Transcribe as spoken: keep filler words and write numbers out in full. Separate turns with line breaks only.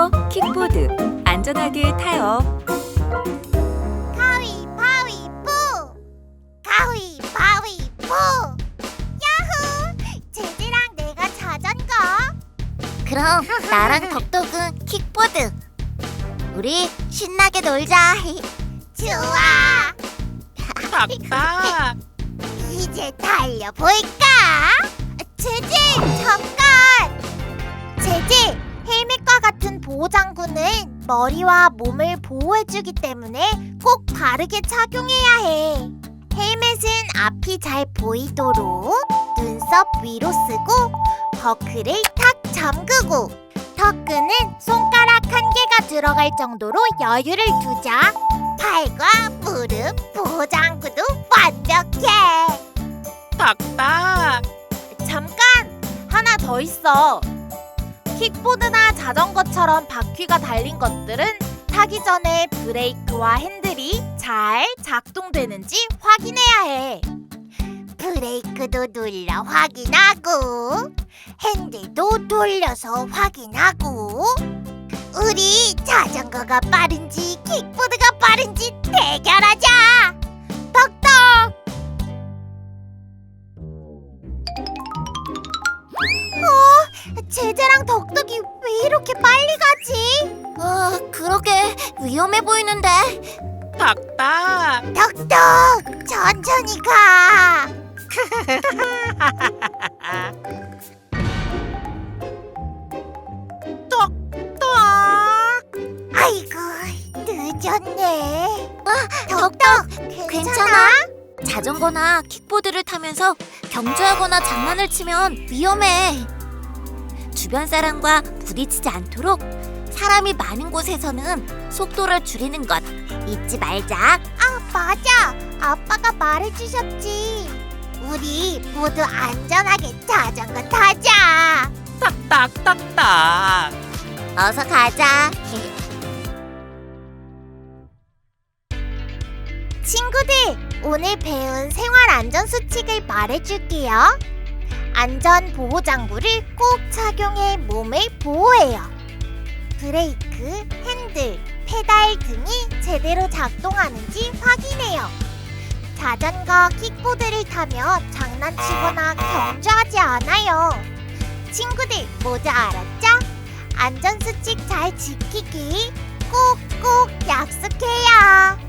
자전거, 킥보드 안전하게 타요.
가위바위보! 가위바위보! 야호! 제지랑 내가 자전거.
그럼 나랑 덕덕은 킥보드. 우리 신나게 놀자.
좋아!
닥닥.
이제 달려볼까? 제지, 잠깐! 제지, 헬멧과 같은 보호장구는 머리와 몸을 보호해주기 때문에 꼭 바르게 착용해야 해. 헬멧은 앞이 잘 보이도록 눈썹 위로 쓰고 버클을 탁 잠그고 턱끈은 손가락 한 개가 들어갈 정도로 여유를 두자. 팔과 무릎 보호장구도 완벽해.
닥닥.
잠깐! 하나 더 있어. 킥보드나 자전거처럼 바퀴가 달린 것들은 타기 전에 브레이크와 핸들이 잘 작동되는지 확인해야 해. 브레이크도 눌러 확인하고 핸들도 돌려서 확인하고 우리 자전거가 빠른지 킥보드가 빠른지 대결하자. 덕덕! 어? 제재랑 덕덕이 왜 이렇게 빨리 가지?
아, 그러게 위험해 보이는데.
닥닥.
덕덕! 천천히 가!
똑똑.
아이고, 늦었네.
아,
덕덕,
괜찮아?
괜찮아?
자전거나 킥보드를 타면서 경주하거나 장난을 치면 위험해. 주변 사람과 부딪히지 않도록 사람이 많은 곳에서는 속도를 줄이는 것 잊지 말자.
아, 맞아. 아빠가 말해주셨지. 우리 모두 안전하게 자전거 타자.
닥닥닥닥.
어서 가자.
친구들, 오늘 배운 생활 안전 수칙을 말해줄게요. 안전 보호 장구를 꼭 착용해 몸을 보호해요. 브레이크, 핸들, 페달 등이 제대로 작동하는지 확인해요. 자전거, 킥보드를 타며 장난치거나 경주하지 않아요. 친구들 모두 알았죠? 안전 수칙 잘 지키기 꼭꼭 약속해요.